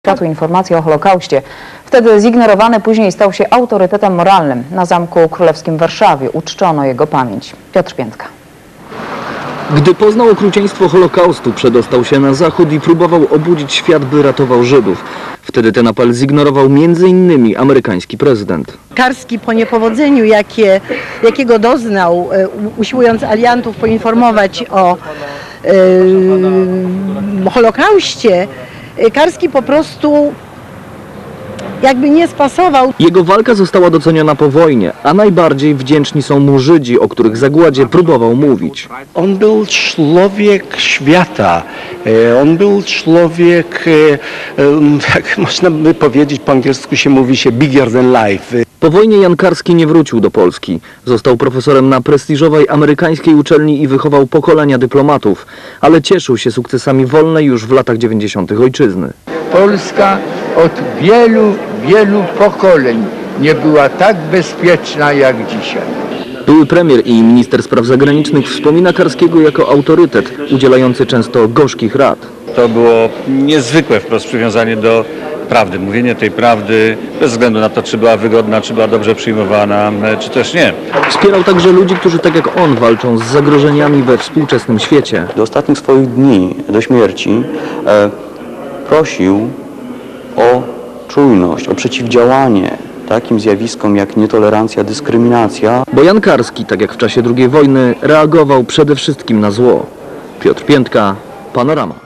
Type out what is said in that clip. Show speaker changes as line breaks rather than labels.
Światu informacji o Holokauście. Wtedy zignorowany, później stał się autorytetem moralnym. Na Zamku Królewskim w Warszawie uczczono jego pamięć. Piotr Piętka.
Gdy poznał okrucieństwo Holokaustu, przedostał się na zachód i próbował obudzić świat, by ratował Żydów. Wtedy ten apel zignorował m.in. amerykański prezydent.
Karski po niepowodzeniu, jakiego doznał, usiłując aliantów poinformować o Holokauście, Karski po prostu jakby nie spasował.
Jego walka została doceniona po wojnie, a najbardziej wdzięczni są mu Żydzi, o których zagładzie próbował mówić.
On był człowiek świata, on był człowiek, jak można by powiedzieć, po angielsku się mówi się bigger than life.
Po wojnie Jan Karski nie wrócił do Polski. Został profesorem na prestiżowej amerykańskiej uczelni i wychował pokolenia dyplomatów, ale cieszył się sukcesami wolnej już w latach 90. ojczyzny.
Polska od wielu pokoleń nie była tak bezpieczna jak dzisiaj.
Były premier i minister spraw zagranicznych wspomina Karskiego jako autorytet, udzielający często gorzkich rad.
To było niezwykłe wprost przywiązanie do prawdy, mówienie tej prawdy bez względu na to, czy była wygodna, czy była dobrze przyjmowana, czy też nie.
Wspierał także ludzi, którzy tak jak on walczą z zagrożeniami we współczesnym świecie.
Do ostatnich swoich dni, do śmierci, prosił o czujność, o przeciwdziałanie takim zjawiskom jak nietolerancja, dyskryminacja.
Bo Jan Karski, tak jak w czasie II wojny, reagował przede wszystkim na zło. Piotr Piętka, Panorama.